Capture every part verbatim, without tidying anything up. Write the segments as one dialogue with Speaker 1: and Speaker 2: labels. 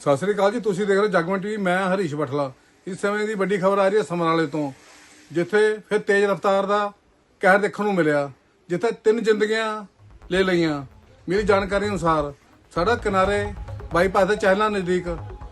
Speaker 1: ਸਤਿ ਸ੍ਰੀ ਅਕਾਲ ਜੀ, ਤੁਸੀਂ ਦੇਖ ਰਹੇ ਹੋ ਜਗਮਨ ਟੀਵੀ। ਮੈਂ ਹਰੀਸ਼ ਬਠਲਾ। ਇਸ ਸਮੇਂ ਦੀ ਵੱਡੀ ਖਬਰ ਆ ਰਹੀ ਹੈ ਸਮਰਾਲੇ ਤੋਂ, ਜਿੱਥੇ ਫਿਰ ਤੇਜ਼ ਰਫ਼ਤਾਰ ਦਾ ਕਹਿਰ ਦੇਖਣ ਨੂੰ ਮਿਲਿਆ, ਜਿੱਥੇ ਤਿੰਨ ਜ਼ਿੰਦਗੀਆਂ ਲੈ ਲਈਆਂ। ਮੇਰੀ ਜਾਣਕਾਰੀ ਅਨੁਸਾਰ ਸੜਕ ਕਿਨਾਰੇ ਬਾਈਪਾਸ ਦੇ ਚਹਿਲਾਂ ਨਜ਼ਦੀਕ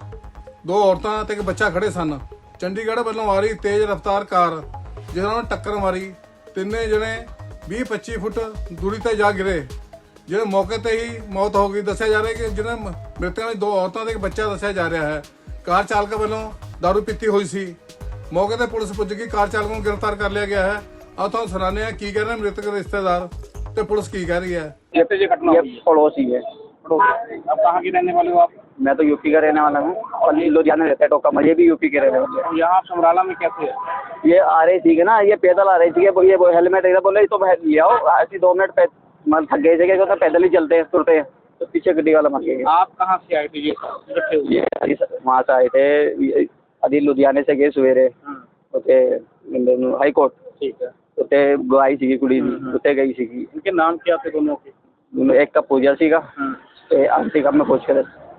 Speaker 1: ਦੋ ਔਰਤਾਂ ਤੇ ਇੱਕ ਬੱਚਾ ਖੜੇ ਸਨ। ਚੰਡੀਗੜ੍ਹ ਵੱਲੋਂ ਆ ਰਹੀ ਤੇਜ਼ ਰਫ਼ਤਾਰ ਕਾਰ ਜਿਸ ਨਾਲ ਟੱਕਰ ਮਾਰੀ। ਤਿੰਨੇ ਜਣੇ ਵੀਹ ਪੱਚੀ ਫੁੱਟ ਦੂਰੀ ਤੇ ਜਾ ਗਿਰੇ, ਜਿਹੜੇ ਮੌਕੇ ਤੇ ਹੀ ਮੌਤ ਹੋ ਗਈ। ਦੱਸਿਆ ਜਾ ਰਿਹਾ ਕਿ ਜਿਹਨਾਂ ਮ੍ਰਿਤਕਾਂ ਵਿੱਚ ਦੋ ਔਰਤਾਂ ਤੇ ਇੱਕ ਬੱਚਾ ਦੱਸਿਆ ਜਾ ਰਿਹਾ ਹੈ। ਕਾਰ ਚਾਲਕ ਵੱਲੋਂ ਦਾਰੂ ਪੀਤੀ ਹੋਈ ਸੀ। ਮੌਕੇ ਤੇ ਪੁਲਿਸ ਪੁੱਜ ਗਈ, ਕਾਰ ਚਾਲਕ ਨੂੰ ਗ੍ਰਿਫਤਾਰ ਕਰ ਲਿਆ ਗਿਆ ਹੈ। ਆਓ ਤੁਹਾਨੂੰ ਸੁਣਾਉਂਦੇ ਹਾਂ ਕੀ ਕਹਿ ਰਹੇ ਮ੍ਰਿਤਕ ਰਿਸ਼तेदार ਤੇ पुलिस की कह रही है।
Speaker 2: ये पड़ोसी है।
Speaker 3: अब कहाँ के रहने वाले हो आप?
Speaker 2: मैं तो यूपी का रहने वाला हूँ और लुधियाना रहता है टोका। मुझे भी यूपी के रहने वाले हैं।
Speaker 3: यहाँ आप समराला में कैसे है?
Speaker 2: ये आ रही थी ना, ये पैदल आ रही थी। ये वो हेलमेट एकदम बोले तो ले आओ, ऐसी दो मिनट पै मतलब थक गए थे तो पैदल ही चलते हैं तुरते हैं, तो पीछे गड्डी वाला मर गया।
Speaker 3: आप कहाँ से आए थे? ये इकट्ठे हुए?
Speaker 2: ये वहाँ से आए थे, अभी लुधियाने से गए सवेरे उते हाई कोर्ट। ठीक है। उते गई सी कुड़ी उते गई सी।
Speaker 3: इनके नाम क्या थे दोनों के?
Speaker 2: एक का पूजा सीगा ते आंटी का मैं पूछ कर।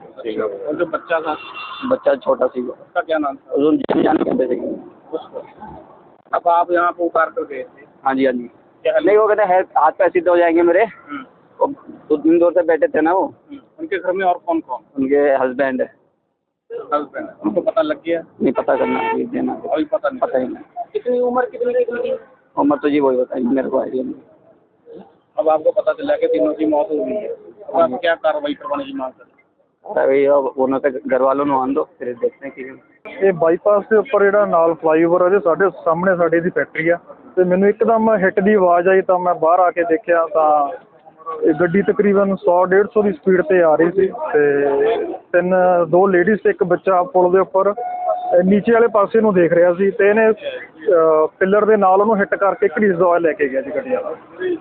Speaker 3: और जो बच्चा था?
Speaker 2: बच्चा छोटा सी,
Speaker 3: उसका क्या नाम था?
Speaker 2: उन जान कहते थे
Speaker 3: उसको। अब आप यहाँ पे उतार कर गए थे?
Speaker 2: हाँ जी हाँ जी।
Speaker 3: क्या
Speaker 2: नहीं वो कहते हैं हाथ पैर सीधे हो जाएंगे मेरे। वो दो दिन दूर से बैठे थे ना वो।
Speaker 3: उनके घर में और कौन कौन?
Speaker 2: उनके हस्बैंड है।
Speaker 3: हस्बैंड है। उनको पता लग गया?
Speaker 2: नहीं पता करना अभी देना,
Speaker 3: अभी पता नहीं।
Speaker 2: पता ही नहीं।
Speaker 3: कितनी उम्र कितनी थी?
Speaker 2: उम्र तो जी वही बताइए, मेरे को आइडिया नहीं।
Speaker 3: अब आपको पता चला कि तीनों की मौत हो गई है, अब आप क्या कार्रवाई करवाने की मांग कर?
Speaker 2: अरे ਉਹਨਾਂ ਤੇ ਘਰ ਵਾਲੋਂ ਨੂੰ ਆਣ ਦੋ, ਫਿਰ ਦੇਖਦੇ ਕੀ।
Speaker 4: ਇਹ ਬਾਈਪਾਸ ਦੇ ਉੱਪਰ ਜਿਹੜਾ ਨਾਲ ਫਲਾਈਓਵਰ ਉਹਦੇ ਸਾਡੇ ਸਾਹਮਣੇ ਸਾਡੇ ਦੀ ਫੈਕਟਰੀ ਆ, ਤੇ ਮੈਨੂੰ ਇੱਕਦਮ ਹਿੱਟ ਦੀ ਆਵਾਜ਼ ਆਈ ਤਾਂ ਮੈਂ ਬਾਹਰ ਆ ਕੇ ਦੇਖਿਆ ਤਾਂ ਇਹ ਗੱਡੀ ਤਕਰੀਬਨ ਸੌ ਡੇਢ ਸੌ ਦੀ ਸਪੀਡ ਤੇ ਆ ਰਹੀ ਸੀ, ਤੇ ਤਿੰਨ ਦੋ ਲੇਡੀਜ਼ ਤੇ ਇੱਕ ਬੱਚਾ ਪੁਲ ਦੇ ਉੱਪਰ ਨੀਚੇ ਵਾਲੇ ਪਾਸੇ ਨੂੰ ਦੇਖ ਰਿਹਾ ਸੀ, ਤੇ ਇਹਨੇ ਪਿੱਲਰ ਦੇ ਨਾਲ ਉਹਨੂੰ ਹਿੱਟ ਕਰਕੇ ਘੜੀਸ ਦਵਾ ਲੈ ਕੇ ਗਿਆ ਜੀ ਗੱਡੀ ਵਾਲਾ।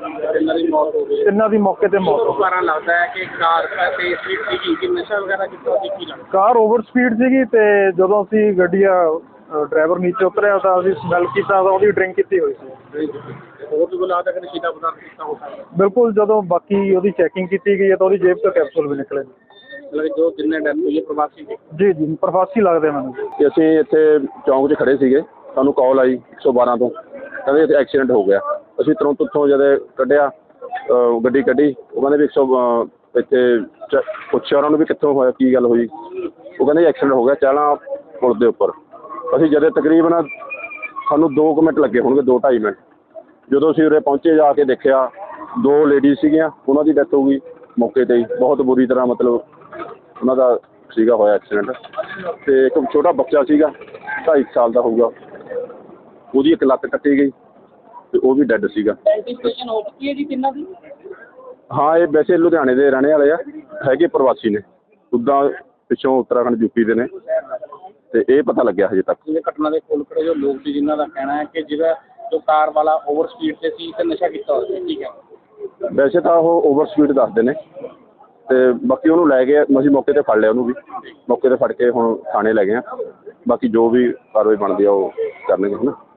Speaker 4: ਤਿੰਨਾਂ ਦੀ ਮੌਕੇ ਤੇ ਮੌਤ ਹੋ ਗਈ।
Speaker 3: ਕਾਰਨ ਲੱਗਦਾ ਹੈ ਕਿ ਕਾਰ ਤੇ ਸਪੀਡ ਸੀਗੀ ਕਿ ਨਸ਼ਾ ਵਗੈਰਾ ਕਿੱਥੋਂ ਸੀ ਕੀ ਲੱਗਦਾ?
Speaker 4: ਕਾਰ ਓਵਰ ਸਪੀਡ ਸੀਗੀ, ਤੇ ਜਦੋਂ ਅਸੀਂ ਗੱਡੀ ਆ ਡਰਾਈਵਰ ਨੀਚੇ ਉਤਰਿਆ ਤਾਂ ਅਸੀਂ ਸਮੈਲ ਕੀਤਾ ਤਾਂ ਉਹਦੀ ਡਰਿੰਕ ਕੀਤੀ ਹੋਈ ਸੀ।
Speaker 3: ਹੋਰ ਵੀ ਕੋਈ ਲੱਗਦਾ ਕਿ ਨਸ਼ੀਲਾ ਪਦਾਰਥ ਕੀਤਾ ਹੋ ਸਕਦਾ?
Speaker 4: ਬਿਲਕੁਲ, ਜਦੋਂ ਬਾਕੀ ਉਹਦੀ ਚੈਕਿੰਗ ਕੀਤੀ ਗਈ ਹੈ ਤਾਂ ਉਹਦੀ ਜੇਬ ਤੋਂ ਕੈਪਸੂਲ ਵੀ ਨਿਕਲੇ।
Speaker 3: ਮਤਲਬ ਜੋ ਜਿੰਨੇ ਡੈਥ ਹੋਈ ਹੈ ਪ੍ਰਵਾਸੀ ਸੀ?
Speaker 4: ਜੀ ਜੀ ਪ੍ਰਵਾਸੀ ਲੱਗਦੇ ਮੈਨੂੰ।
Speaker 5: ਕਿ ਅਸੀਂ ਇੱਥੇ ਚੌਂਕ 'ਚ ਖੜੇ ਸੀਗੇ, ਸਾਨੂੰ ਕਾਲ ਆਈ ਇੱਕ ਸੌ ਬਾਰਾਂ ਤੋਂ, ਕਹਿੰਦੇ ਇੱਥੇ ਐਕਸੀਡੈਂਟ ਹੋ ਗਿਆ। ਅਸੀਂ ਤੁਰੰਤ ਉੱਥੋਂ ਜਦੋਂ ਕੱਢਿਆ ਗੱਡੀ ਕੱਢੀ, ਉਹ ਕਹਿੰਦੇ ਵੀ ਇੱਕ ਸੌ ਇੱਥੇ ਚ ਪੁੱਛਿਆ ਉਹਨਾਂ ਨੂੰ ਵੀ ਕਿੱਥੋਂ ਹੋਇਆ, ਕੀ ਗੱਲ ਹੋਈ। ਉਹ ਕਹਿੰਦੇ ਐਕਸੀਡੈਂਟ ਹੋ ਗਿਆ ਚਾਲਾਂ ਪੁਲ ਦੇ ਉੱਪਰ। ਅਸੀਂ ਜਦੋਂ ਤਕਰੀਬਨ ਸਾਨੂੰ ਦੋ ਕੁ ਮਿੰਟ ਲੱਗੇ ਹੋਣਗੇ, ਦੋ ਢਾਈ ਮਿੰਟ। ਜਦੋਂ ਅਸੀਂ ਉਰੇ ਪਹੁੰਚੇ ਜਾ ਕੇ ਦੇਖਿਆ ਦੋ ਲੇਡੀਜ਼ ਸੀਗੀਆਂ, ਉਹਨਾਂ ਦੀ ਡੈਥ ਹੋ ਗਈ ਮੌਕੇ 'ਤੇ ਹੀ। ਬਹੁਤ ਬੁਰੀ ਤਰ੍ਹਾਂ ਮਤਲਬ ਉਹਨਾਂ ਦਾ ਸੀਗਾ ਹੋਇਆ ਐਕਸੀਡੈਂਟ। ਅਤੇ ਇੱਕ ਛੋਟਾ ਬੱਚਾ ਸੀਗਾ ਢਾਈ ਸਾਲ ਦਾ ਹੋਊਗਾ, ਉਹਦੀ ਇੱਕ ਲੱਤ ਕੱਟੀ ਗਈ ਅਤੇ ਉਹ ਵੀ ਡੈੱਡ ਸੀਗਾ।
Speaker 3: ਆਈਡੈਂਟੀਫਿਕੇਸ਼ਨ ਹੋ ਚੁੱਕੀ ਹੈ ਜੀ ਤਿੰਨਾਂ ਦੀ?
Speaker 5: ਹਾਂ, ਇਹ ਵੈਸੇ ਲੁਧਿਆਣੇ ਦੇ ਰਹਿਣੇ ਵਾਲੇ ਆ, ਹੈਗੇ ਪ੍ਰਵਾਸੀ ਨੇ, ਉੱਦਾਂ ਪਿੱਛੋਂ ਉੱਤਰਾਖੰਡ ਯੂਪੀ ਦੇ ਨੇ, ਅਤੇ ਇਹ ਪਤਾ ਲੱਗਿਆ ਹਜੇ ਤੱਕ।
Speaker 3: ਜਿਵੇਂ ਘਟਨਾ ਦੇ ਕੋਲ ਖੜੇ ਜੋ ਲੋਕ ਸੀ ਜਿਨ੍ਹਾਂ ਦਾ ਕਹਿਣਾ ਹੈ ਕਿ ਜਿਹੜਾ ਜੋ ਕਾਰ ਵਾਲਾ ਓਵਰ ਸਪੀਡ 'ਤੇ ਸੀ ਅਤੇ ਨਸ਼ਾ ਕੀਤਾ ਹੋਇਆ ਸੀ, ਠੀਕ ਹੈ?
Speaker 5: ਵੈਸੇ ਤਾਂ ਉਹ ਓਵਰ ਸਪੀਡ ਦੱਸਦੇ ਨੇ, ਅਤੇ ਬਾਕੀ ਉਹਨੂੰ ਲੈ ਗਏ, ਅਸੀਂ ਮੌਕੇ 'ਤੇ ਫੜ ਲਿਆ ਉਹਨੂੰ ਵੀ, ਮੌਕੇ 'ਤੇ ਫੜ ਕੇ ਹੁਣ ਥਾਣੇ ਲੈ ਗਏ ਹਾਂ। ਬਾਕੀ ਜੋ ਵੀ ਕਾਰਵਾਈ ਬਣਦੀ ਆ ਉਹ ਕਰਨਗੇ ਹੈ ਨਾ।